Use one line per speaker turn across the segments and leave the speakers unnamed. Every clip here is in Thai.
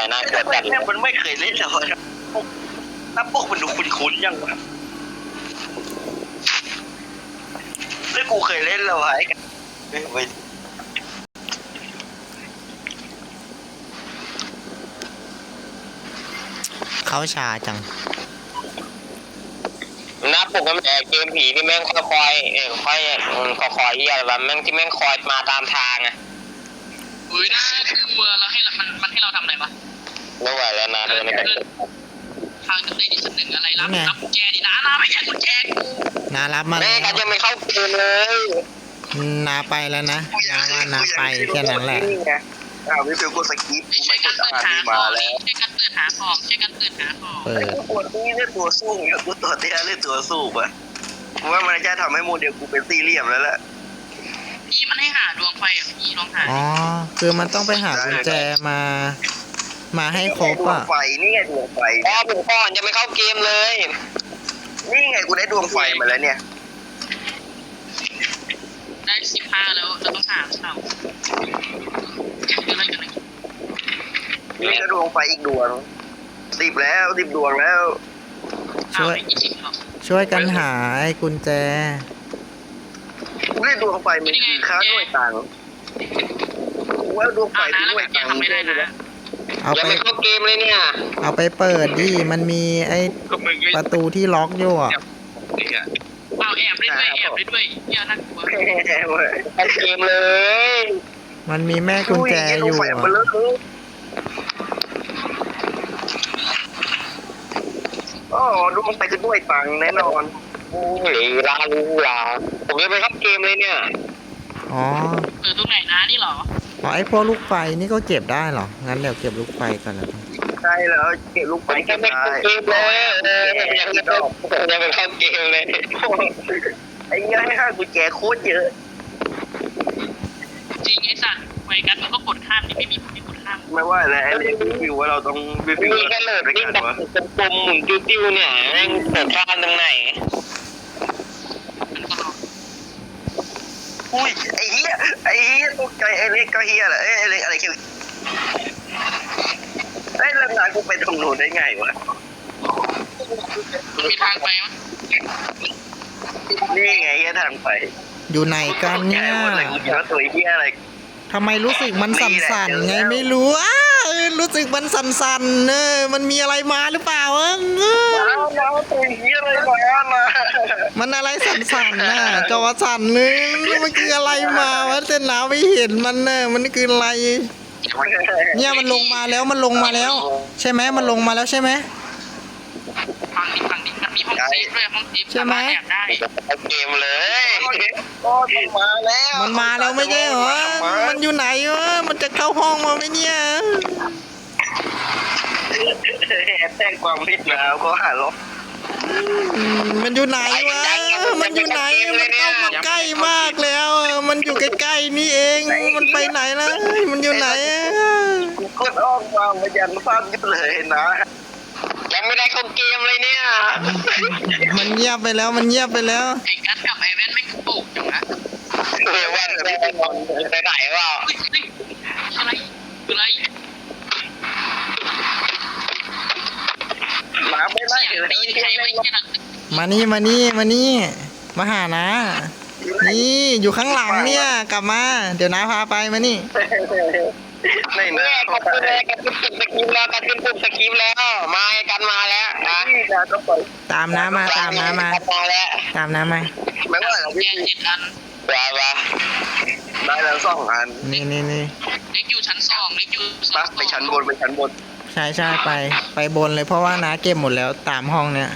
นะเกิดแบบ
มันไม่เคยเล่นแล้วหน้าปกมันดูคุ้นๆยังวะแล้วกูเคยเล่นแล้วไอ้ไป
เขาชาจัง
หน้าปกมันเกมผีที่แม่งค่อยๆค่อยๆอะไรแบบแม่งที่แม่งคอยมาตามทางอะ
อุ้ยน่ากลัวแล้วให้มันให้เราทำอะไรวะ
ไม่ไหวแล้วนะเดินในกัน
ทางได้ดิฉันหนึ่งอะไรรับกุญแจดินะไม่ใช่กุญแจกู
นารับมา
แม่กันยังไม่เข้าเกมเลย
นาไปแล้วนะนาว่านาไปแค่นั้นแหละ
ไม่เป็นกูสกิป
ช่วยกันเปิดหาของช่วยกันเปิดหาของช่วยกันเปิดหาของ
กูปวดนี่เล่นตัวสู้เนี่ยกูตัวเตี้ยเล่นตัวสู้ปะว่ามันจะทำให้โมเดลกูเป็นสี่เหลี่ยมแล้วแหละ
พี่มันให้หาดวงไฟอ่ะพี่ลองหา
อ๋อคือมันต้องไปหากุญแจมาให้ครบอ่ะ
ดวงไฟนี่ไงดวงไฟ
ผมก่อนจะไม่เข้าเกมเลย
นี่ไงกูได้ดวงไฟมาแล้วเนี่ย
ได้15แล้วเราต้องหาเสาอะไรกัน
นี่ก็ดวงไฟอีกดวง10แล้ว10ดวงแล้ว
ช่วยกันหาไอ้กุญแจ
กูได้ดวงไฟมันคือค่าด้วยตังค์กูว่าดวงไฟด้วยตังค์
ไม่ได้นะ
ยังไม่เข้าเกมเลยเนี่ย
เอาไปเปิดดิมันมีไอ้ประตูที่ล็อกอยู่อ่ะ
เอาแอบได้ด้วยเนี่ยน่ากลัว
เข้าเกมเลย
มันมีแม่กุญแจอยู่
อ๋อดวงไฟคือด้วยตังค์แน่นอน
โอ้ยลาผมยังไม่เข้าเกมเลยเนี่ย
อ๋อ
ตรงไหนนะนี่หรอ
อ๋อไอ้พวกลูกไฟนี่ก็เก็บได้เหรองั้นเดี๋ยวเก็บลูกไฟก่อนนะ
ใช่แล้วเก็บลูกไฟ
เก็บได้ยังไม่เข้าเกมเลย
ไอ้เงี้ยให้ห้ากุญแจโคตรเยอะ
จริงไอ้สัตว์ไฟกันมันก็กดข้ามนี่ไม่มีผลที่กดข้าม
ไม่ว่าแล้วไอ้เรื่องวิวว่าเราต้องวิว
นี่ก็เลยนี่แบบกลมๆหมุนติ้วๆเนี่ยแม่งเปิดข้ามตรงไหน
อุ้ยไอ้เหี้ยตกใจไอ้เล็กก็เหี้ยแหละไอ้เล็กอะไรคิวไอ้เรื่องงานกูไปตรงนู้นได้ไงวะ
มีทางไปมั้ย
นี่ไงทางไป
อยู่ไหนกันเนี่ยทำไมรู้สึกมันสั่นๆไงไม่รู้รู้สึกมันสั่นๆมันมีอะไรมาหรือเปล่ามันอะไรสั่นๆน่ะจอสั่นเลยมันคืออะไรมาวะเส้นหนาวไม่เห็นมันมันคืออะไรเนี่ยมันลงมาแล้วใช่ไหมมันลงมาแล้วใช่ไหม
ฟังดิมันมีห้องเซฟด้วยห้องเซฟ
ใช่ไหม
เกมเลย
มันมาแล้วไม่ใช่เหรอมันอยู่ไหนวะมันจะเข้าห้องมาไหมเนี่ย
แต่งความผิดแล้วก็หาล็อก
มันอยู่ไหนวะมันอยู่ไหนมันเข้ามาใกล้มากแล้วมันอยู่ใกล้ๆนี่เองมันไปไหนแล้วมันอยู่ไหน
กูกดออกมายันฟาดยิบเลยนะ
ยังไม่ได้เข้าเกมเลยเนี่ย
มันเงียบไปแล้วไ
อ้กัสกับไอ้แว่นไม่ปลุกจังนะ
วันไปไหนวะ
อะไร
มาไม่ได้
มานี่มาหานะนี่อยู่ข้างหลังเนี่ยกลับมาเดี๋ยวน้าพาไปมานี่
ไม่แม่กันขึ้นสกิปแล้วมากันมาแล้ว
ตามน้ามา
แล้ว
ไม่ว่า
เราพี่
ว้า
ได้แล้ว2 อัน
นี่
เล็กอยู่ชั้น2เล็กอยู่
ไปชั้นบน
ใช่ไปบนเลยเพราะว่าน้าเก็บหมดแล้วตามห้องเนี่ย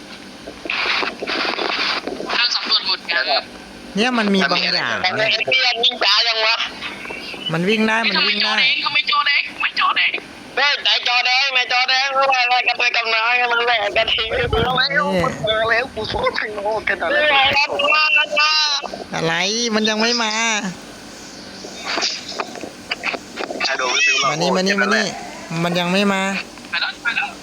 ทางสำรวจหมดกัน
เนี่ยมันมีบางอย่าง
วิ่งช้ายังวะ
มันวิ่งได้
เขาไม่จอแดง
แม่จอแดงแม่จอแดงอะไรกันไปกับน้ามันแหลกกันที
แล้วกูสู้ทางโน้นกัน
อะไรมันยังไม่มามานี่มันยังไม่มา
ไปแล้ว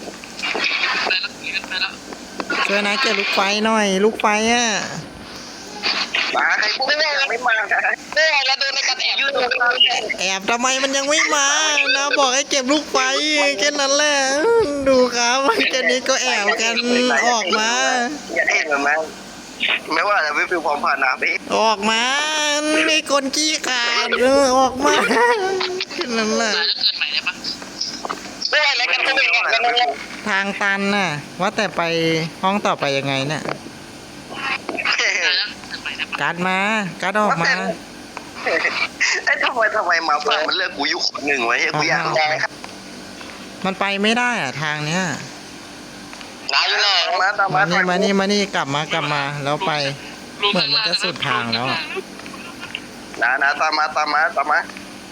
ช่วยนะเก็บลูกไฟหน่อยลูกไฟ
มาใครพวกไม่มา
แล้วโดนในกันแอบ
แอบทำไมมันยังไม่มานะบอกให้เก็บลูกไฟแค่นั้นแหละดูครับแค่นี้ก็แอบกันออกมา
อย่าเห็นมันมั้งไม่ว่าจะไม่ฟิวพร้อมผ่านน้ำไป
ออกมาไม่คนขี้ขาดออกมาแค่นั้นแหละ
ตายแล้วเกิดใหม่ได้ปะ
ด้วยอะไรกันก็ไม่รู้กันนะ
ทางตันน่ะ ว่าแต่ไปห้องต่อไปยังไงเนี่ย
ตายแล้วเกิดใหม่ได้ปะ
การ์ดมาการ์ดออกมา
ไอ้ทำไมมาฟังมันเลือกกูอยู่คนหนึ่งไว้กูอยากได้ครับ
มันไปไม่ได้อะทางเนี้ย
นายอยู่ไหน
ตาม
มา
มา
นี่กลับมาแล้วไป เหมือนมันจะสุดทางแล้วอะ
นะตามมา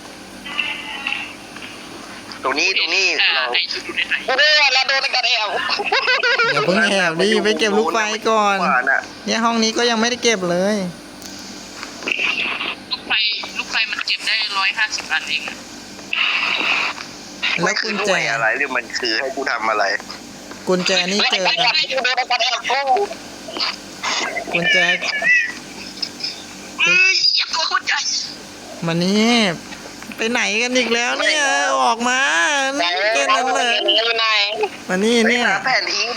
ตรงนี้เรา
ไอ้ชุดอยู่ในไหน
กูด้วยแล้วโดนกันแอว
อย่าเพิ่งแอบดิไปเก็บลูกไฟก่อน
ว่าน่ะ
เนี่ยห้องนี้ก็ยังไม่ได้เก็บเลย
ลูกไฟมันเก็บได้150 อันเองอะ
แล้วกุญแจ
อะไรหรือมันคือให้กูทำอะไร
กุญแจนี่เจอ
กูโดนกันแอวกู
กุญแจ
เฮ้ยอย่าตัวคนใหญ่
มานี่ไปไหนกันอีกแล้วเนี่ยออกมาแค่นั้นเลย
อยู่ไหน
มานี่เนี่ย
แผนที่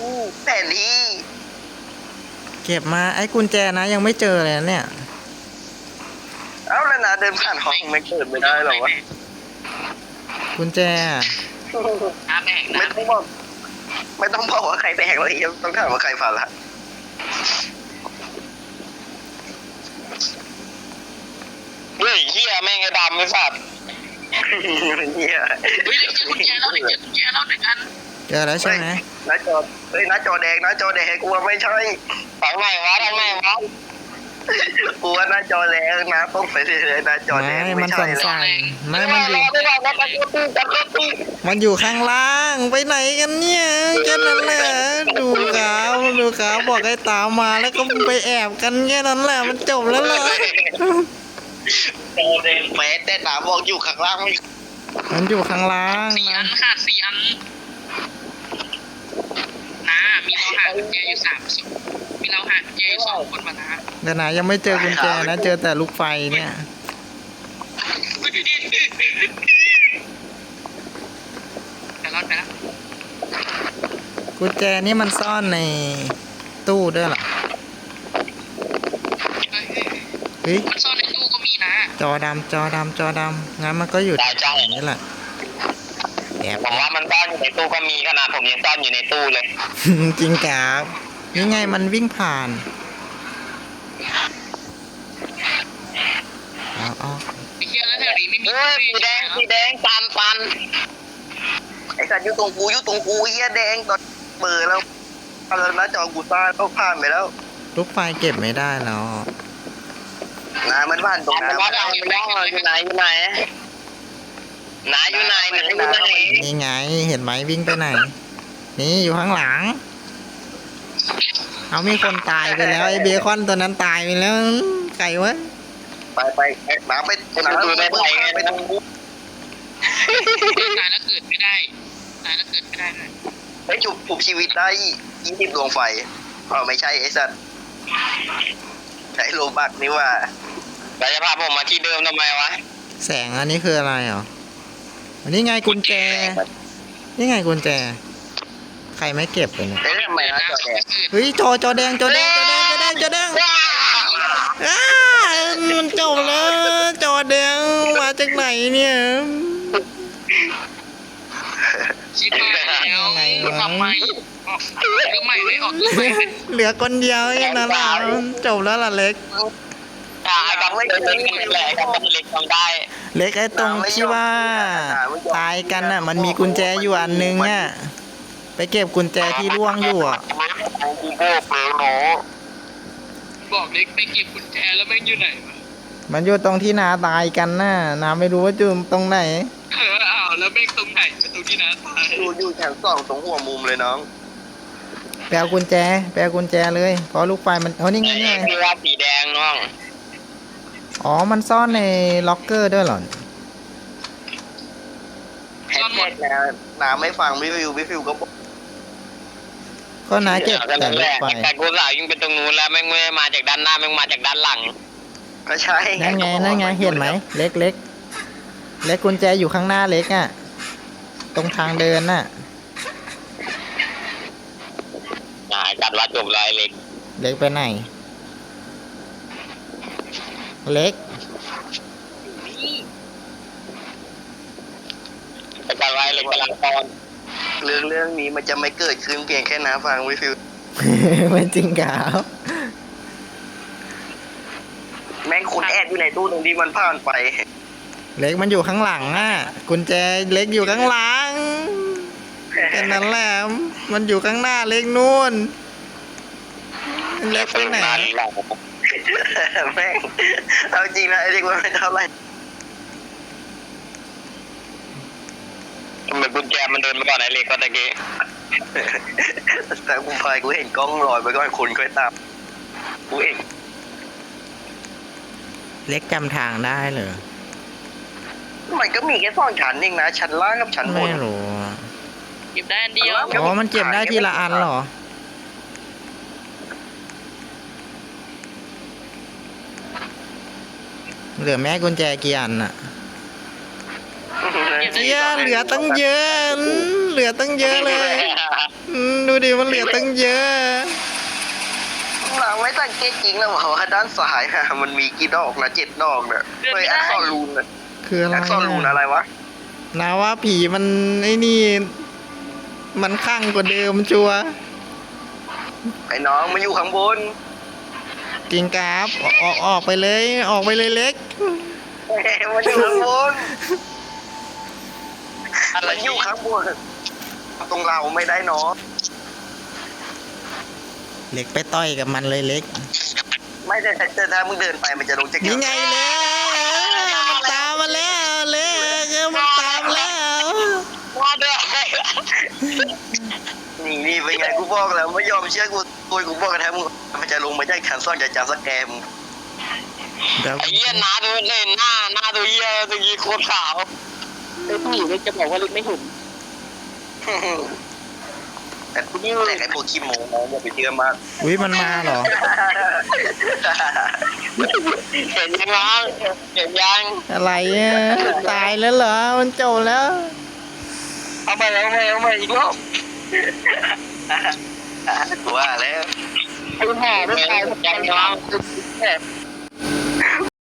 เก็บมาไอ้กุญแจนะยังไม่เจอเลยนะเนี่ย
เอ้าแล้วนะเดินผ่านห้องไม่เกิดไม่ได้หรอวะ
กุญแจอะ
น้ำแบ่ง
ไม่
นะ
ต้องบอกว่าใครแตกเลยต้องถามว่าใครผ่านละ
เฮ้ยเฮียแม่งไอ้ดำไม่สัตว์
เฮีย
เฮ้ยเด็กเจอกุญแจแล้ว1 อัน
เจอแล้วใช่ไหม
หน้าจอแดงกูว่าไม่ใช่
ทางไหนวะ
กูว่าหน้าจอแดงนะต้องไปเลยหน้าจอแดง
ไม่
ไม่
มัน
ใช่
สั่น
แล้ว
ๆไม่มันอยู่ข้างล่างไปไหนกันเนี่ยแค่นั้นแหละดูครับบอกให้ตามมาแล้วก็ไปแอบกันแค่นั้นแหละมันจบแล้วเหรอ
แม้แต่ตาบอกอยู่ข้างล่างไม่
มันอยู่ข้างล่าง
4 อั
นะ
นขาด4 อันนะมีเราหากุญแจอยู่3 ศพมีเราหากุญแจอยู่2 คนมานะ
แต่นะยังไม่เจอกุญแจนะเจอแต่ลูกไฟเนี่ย
แต่รอดไปแล้ว
กุญแจนี่มันซ่อนในตู้ด้วยเหรอเฮ้ย
มันซ่อนในตู้ก็มีนะ
จอดำงั้นมันก็อยู่แถวๆนี้แหละแอบ
ผมว่ามันซ่อนอยู่ในตู้ก็มีขนาดผมยังซ่อนอยู่ในตู้เลย
จริงครับนี่ไงมันวิ่งผ่านเอา
ไอ้เหี้ยแล้วแถวนี้ไม่มี
เฮ้ยสีแดงปัน
ไอ้สัตว์อยู่ตรงกูเฮียแดงตอนเปิดแล้วหน้าจอกูซ่าต้องผ่านไปแล้ว
ลูกไฟเก็บไม่ได้แล้ว
นะมันผ่านตรงนั้น
ว่าอยู่ไหนอยู่ไหนอยู่ไหน
นี่ไงเห็นไหมวิ่งไปไหน นี่อยู่ข้างหลัง เอามีคนตายไปแล้วไอ้เบคอนตัวนั้นตายไปแล้วไก่วะ
ไปน้ำไปตรงกู
ตายแล้วเกิดไม่ได้เลย
ไปจุบชีวิตได้20 ดวงไฟไม่ใช่ไอ้สัตว์ใช้โลบักนี่ว่า
เราจะพาผมมาที่เดิมทำไมวะ
แสงอันนี้คืออะไรเหรออันนี้ไงกุญแจ นี่ไงกุญแจ ใครไม่เก็บเลยเนี่ย
เอ๊ะทำไมนะจอแดง
เฮ้ยจอแดงอ้ามันจบแล้วจอแดงมาจากไหนเนี่ย
ชิบหายแล้วทำไมออกก็ใหม่ไม่ออกก็ใหม่
เหลือคนเดียวเองนะล่ะจบแล้วล่ะเล็ก
ไอ้กับไม่เล็กแหละกับเล็กทำได้
เล็กไอ้ตรงที่ว่าตายกันน่ะ มันมีกุญแจอยู่อันนึงอ่ะไปเก็บกุญแจที่ร่วงอยู่อ่ะ
บอกเล็กไปเก็บกุญแจแล้วแม่งอยู่ไหนวะ
มันอยู่ตรงที่นาตายกันน่ะนาไม่รู้ว่าจุ่มตรงไหน
อ้าวแล้วแม่งตรงไหนตรงที่น้าตาย
อยู่ชั้น2ตรงหัวมุมเลยน้อง
แปลกุญแจเลยเพราะลูกไฟมันนี่ไง
คือว่าสีแดงน้อง
อ๋อมันซ่อนในล็อกเกอร์ด้วยเหรอ
แฮชแท็กนะน้ำไม่ฟังวิฟิวก็บอก
ก็นาเก็บแต่ลูกไฟ
แต่กูสาวยิงเป็นตรงนู้นแล้วแม่งไม่มาจากด้านหน้าแม่งมาจากด้านหลัง
ก็ใช่
นั่นไงนั่นไงเห็นไหมเล็กเล็กเล็กกุญแจอยู่ข้างหน้าเล็กอ่ะตรงทางเดินน่ะ
จัดว่าจบเลยเล็ก
เล็กไปไหนเล็ก
จัดไว้เล็กกำลังตอน
เรื่องนี้มันจะไม่เกิดขึ้นเพียงแค่น้าฟังวิฟิว
ไม่จริงครับ
แม่งคุณแอดอยู่ในตู้ตรงที่มันผ่านไป
เล็กมันอยู่ข้างหลังอ่ะกุญแจเล็กอยู่ข้างหลังแค่นั้นแหละมันอยู่ข้างหน้าเล็กนู่นเล็กไปไหน
แม่งเอาจริงนะไอ้เด็กมันไม่เท่าไหร่
เหมือนกุญแจมันเดินมาก่อนไอ้เล็กก็ตะกี้
แต่กูพายกูเห็นกล้องลอยไปก่อนคนค่อยตามกูเอง
เล็กจำทางได้เหรอ
มันก็มีแค่สองชั้นเองนะชั้นล่างกับชั้นบ
ไม่
น
รู้
เก็บได้อันเดียว
อ๋อมันเก็บได้ทีละอันเหรอเหลือแม่กุญแจกี่อันน่ะเหี้ยเหลือตั้งเยอะเหลือตั้งเยอะเลยดูดิมันเหลือตั้งเยอะ
เราไม่สังเกตจริงแล้วว่าด้านซ้ายอะมันมีกี่ดอกนะ7 ดอกเนี่ยเฮ้ยอักษรรูนนะ
คืออะไร
อักษรรูนอะไรวะ
นาว่าผีมันไอ้นี่ มันข้างกว่าเดิมชัวร์
ไอ้น้องมันอยู่ข้างบน
กิงกราฟออกไปเลยออกไปเลยเล็ก
มันอยู่ข้างบนมันอยู่ข้างบนตรงเราไม่ได้เนาะ
เล็กไปต่อยกับมันเลยเล็ก
ไม่แต่ถ้ามึงเดินไปมันจะลงจาก
นี่ไงเล็กมันตามมาแล้วเล็กมันตามแล้ว
ว่าด้วย
นี่เป็นไงกูบอกแล้วไม่ยอมเชื่อกูบอกกันแท้มึงมันจะลงมาจากชั้นซ่อนจากจาสแกม
ไอ้เหี้ยหน้าดูเลยหน้าดูเหี้ยตะกี้โคตรขาว
เล็กผีเล็กจะบอกว่าเล็กไม่เห็น
แต่ไอ้พวกขี้โม้อย่าไปเชื่อมาก
อุ้ยมันมาเหรอ
เห็นยังน้องเห็นยัง
อะไรอ่ะตายแล้วเหรอมันจบแล้ว
เอาไปอีกรอบกูว่าแล้ว
ไอ้ห่าไม่ตาย
ยังน้อง
แบบ